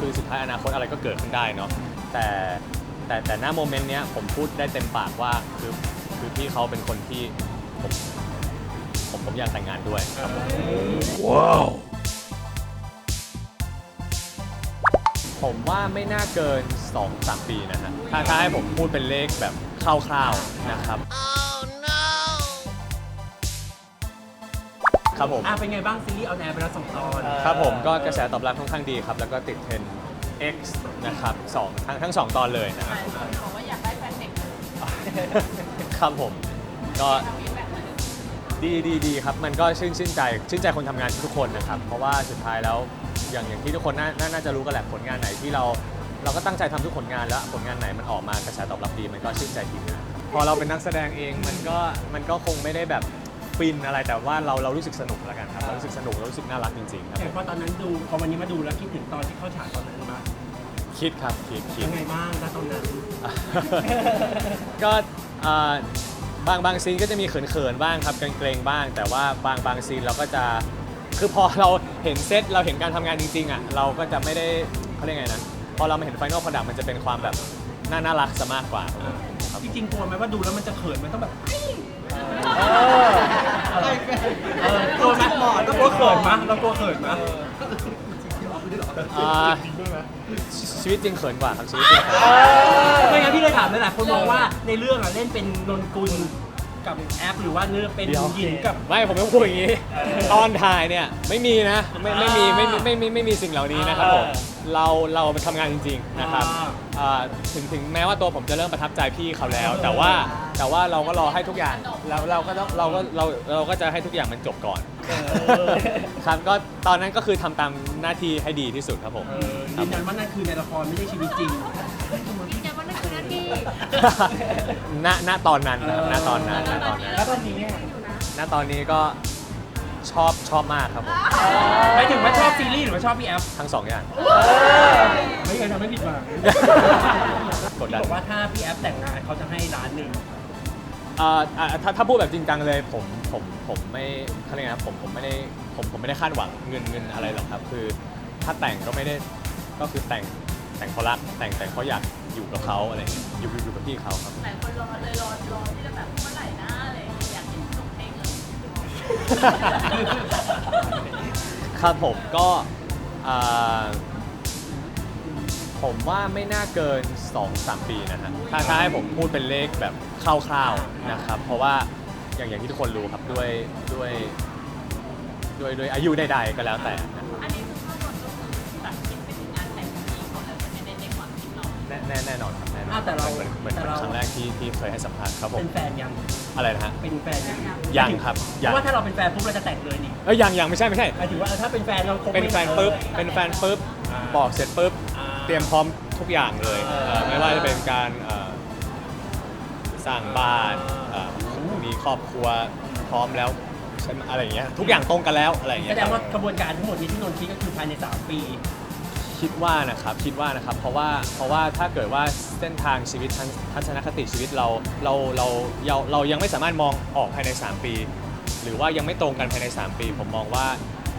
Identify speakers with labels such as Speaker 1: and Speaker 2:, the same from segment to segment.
Speaker 1: คือสุดท้ายอนาคตอะไรก็เกิดขึ้นได้เนาะแต่ณโมเมนต์เนี้ยผมพูดได้เต็มปากว่าคือพี่เขาเป็นคนที่ผมอยากแต่งงานด้วยครับว้าวผมว่าไม่น่าเกิน 2-3 ปีนะฮะถ้าให้ผมพูดเป็นเลขแบบคร่าวๆนะครับครับผม
Speaker 2: เป็นไงบ้างซีรีส์ออนแอร์ไปแล้ว2 ตอน
Speaker 1: ครับผมก็กระแสตอบรับค่อนข้างดีครับแล้วก็ติดเทรนด์ X นะครับทั้งสองตอนเลยนะครับ
Speaker 3: บอกว่าอยากได้แฟนเด็ก
Speaker 1: ครับผมก็ดีครับมันก็ชื่นใจคนทำงานทุกคนนะครับเพราะว่าสุดท้ายแล้วอย่างที่ทุกคนน่าจะรู้กันแหละผลงานไหนที่เราก็ตั้งใจทำทุกผลงานแล้วผลงานไหนมันออกมากระแสตอบรับดีมันก็ชื่นใจทีมงานพอเราเป็นนักแสดงเองมันก็คงไม่ได้แบบฟินอะไรแต่ว่าเรารู้สึกสนุกแล้วกันครับเรารู้สึกสนุกเรารู้สึกน่ารักจริงๆครับ
Speaker 2: แต่พอตอนนั้นดูพอวันนี้มาดูแล้วคิดถึงตอนที่เข้าฉากตอนนั้นมั้ย
Speaker 1: คิดครับคิด
Speaker 2: ยังไงบ้างณตอนนั้น
Speaker 1: ก็บางซีนก็จะมีเขินๆบ้างครับเกรงๆบ้าง แต่ว่าบางซีนเราก็จะคือพอเราเห็นเซตเราเห็นการทำงานจริงๆอ่ะเราก็จะไม่ได้เขาเรียกไงนะพอเรามาเห็นไฟนอล product มันจะเป็นความแบบน่ารักซะมากกว่าครับ
Speaker 2: จริงๆกลัวไหมว่าดูแล้วมันจะเขินมันต้องแบบกลัวไหมเรากลัวเขินมั้ยเรากลัวเขินมั้ย
Speaker 1: ชีวิตจริงเขินกว่าครับชีวิตจริง
Speaker 2: ไม่งั้นพี่เลยถามหลายๆคนมองว่าในเรื่องเล่นเป็นนนกุลกับแอปหรือว่าเนื้อเป็นหญิงกับ
Speaker 1: ไม่ผมต้องพูดอย่างนี้ ตอนถ่ายเนี่ยไม่มีนะไม่มีสิ่งเหล่านี้นะครับผมเราไปทำงานจริงๆนะครับถึงแม้ว่าตัวผมจะเริ่มประทับใจพี่เขาแล้ว แต่ว่าเราก็รอให้ทุกอย่างแล้วเราก็จะให้ทุกอย่างมันจบก่อนครับก็ตอนนั้นก็คือทำตามหน้าที่ให้ดีที่สุดครับผม
Speaker 2: ยืนยันว่านั่นคือในละครไม่ใช่ชีวิตจริง
Speaker 3: ยืนยันว่านั่นคือหน้าที่
Speaker 1: ณตอนนั้นนะครับณตอนนั้น
Speaker 2: แล้วตอนนี้เนี่ย
Speaker 1: ณตอนนี้ก็ชอบมากครับผม
Speaker 2: หมายถึงว่าชอบซีรีส์หรือว่าชอบพี่แอฟ
Speaker 1: ทั้งสองอย่าง
Speaker 2: ไม่เคยทำให้ผิดหวัง
Speaker 1: กดดัน
Speaker 2: บอกว่าถ้าพี่แอฟแต่งงานเขาจะให้1 ล้าน
Speaker 1: ถ้าพูดแบบจริงจังเลยผมไม่เขาเรียกไงนะผมไม่ได้คาดหวังเงินอะไรหรอกครับคือถ้าแต่งก็ไม่ได้ก็คือแต่งเพราะรักแต่งเพราะอยากอยู่กับเขาอะไรอย่างเงี้ยอยู่กับพี่เขาครับ
Speaker 3: หลายคนรอที่จะแบบเมื่อไหร่นะอะไรอย่างเงี้ยอยากเห็นจบเพลงเลย
Speaker 1: ครับผมก็ผมว่าไม่น่าเกิน 2-3 ปีนะฮะถ้าให้ผมพูดเป็นเลขแบบคร่าวๆนะครับเพราะว่าอย่างที่ทุกคนรู้ครับด้วยอายุใดๆก็แล้วแต่นะครับ
Speaker 3: อันนี้คือข้างบนก็คือตัดคิดไปถึงงานแต่งของพี่เขาเลยมันไม่ได้ในความคิดเรา
Speaker 1: แน่นอนครับแน่นอน
Speaker 2: แต่เรา
Speaker 1: เหมือนครั้งแรกที่เคยให้สัมภาษณ์ครับผม
Speaker 2: เป็นแฟนยัง
Speaker 1: อะไรนะฮะ
Speaker 2: เป็นแฟนยัง
Speaker 1: ยังครับ
Speaker 2: เพ
Speaker 1: ยัง
Speaker 2: ราะว่าถ้าเราเป็นแฟนปุ๊บเราจะแต่งเลยนี่
Speaker 1: ยังไม่ใช่
Speaker 2: หมายถึงว่าถ้าเป็นแฟนเราคง
Speaker 1: เป็นแฟนปุ๊บบอกเสร็จปุ๊บเตรียมพร้อมทุกอย่างเลยไม่ว่าจะเป็นการสร้างบ้านมีครอบครัวพร้อมแล้วอะไรอย่างเงี้ยทุกอย่างตรงกันแล้วอะไรอย่าง
Speaker 2: แส
Speaker 1: เงี้ย
Speaker 2: ดงว่ากระบวนการทั้งหมดนี้ที่นนท์คิดก็คือภายใน3 ปี
Speaker 1: คิดว่านะครับเพราะว่าถ้าเกิดว่าเส้นทางชีวิตทัศนคติชีวิตเรายังไม่สามารถมองออกภายใน3 ปี หรือว่ายังไม่ตรงกันภายใน3 ปี ผมมองว่า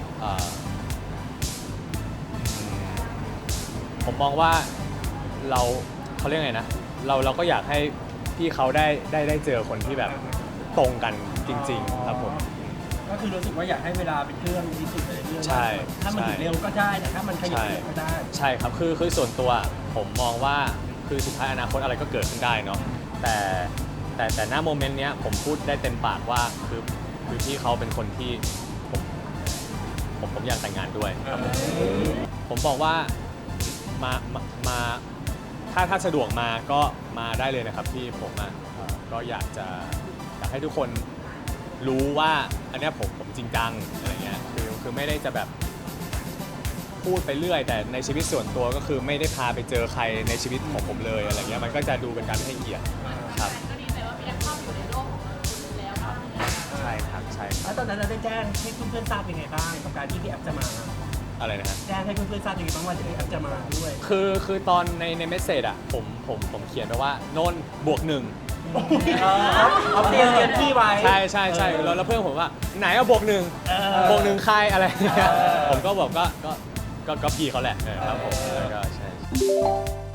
Speaker 1: ผมมองว่าเขาเรียกไงนะเราก็อยากให้พี่เขาได้เจอคนที่แบบตรงกันจริงๆครับผม
Speaker 2: ก็คือรู้สึกว่าอยากให้เวลาเป็นเครื่องที่สุดเลยเรื่อง
Speaker 1: ใช่
Speaker 2: ถ้ามันถึงเร็วก็ได้แต่ถ้ามันขยับเร็วก็ได้
Speaker 1: ใช่ครับคือส่วนตัวผมมองว่าคือสุดท้ายอนาคตอะไรก็เกิดขึ้นได้เนาะแต่ณโมเมนต์เนี้ยผมพูดได้เต็มปากว่าคือพี่เขาเป็นคนที่ผมอยากแต่งงานด้วยครับผมบอกว่ามาถ้าสะดวกมาก็มาได้เลยนะครับพี่ผมก็อยากให้ทุกคนรู้ว่าอันเนี้ยผมจริงจังอะไรเงี้ยคือไม่ได้จะแบบพูดไปเรื่อยแต่ในชีวิตส่วนตัวก็คือไม่ได้พาไปเจอใครในชีวิตของผมเลยอะไรเงี้ยมันก็จะดูเป็นการไม่ให้เกียรติครับ
Speaker 3: ก็ดีใจว่าพี่แอฟเข้าอยู่ในโลกของคุณแล้ว
Speaker 1: ใช่ครับ
Speaker 2: แล้วตอนนั้นเราได้แจ้งให้เพื่อนๆทราบยังไงบ้างกับการที่พี่แอฟจะมา
Speaker 1: อะไรนะฮะ
Speaker 2: แจ้งให้เพื่อนๆทราบยังไงบ้างว่าพี่แอฟจะมาด้วย
Speaker 1: คือตอนในเมสเซจอ่ะผมเขียนไปว่านนท์บวก 1
Speaker 2: เอาเตรียมที่ไว้
Speaker 1: ใช่แล้วเพื่อนผมว่าไหนเอาบวก 1 บวก 1ใครอะไรเงี้ยผมก็บอกก็ก็พี่เขาแหละครับผมแล้วก็ใช่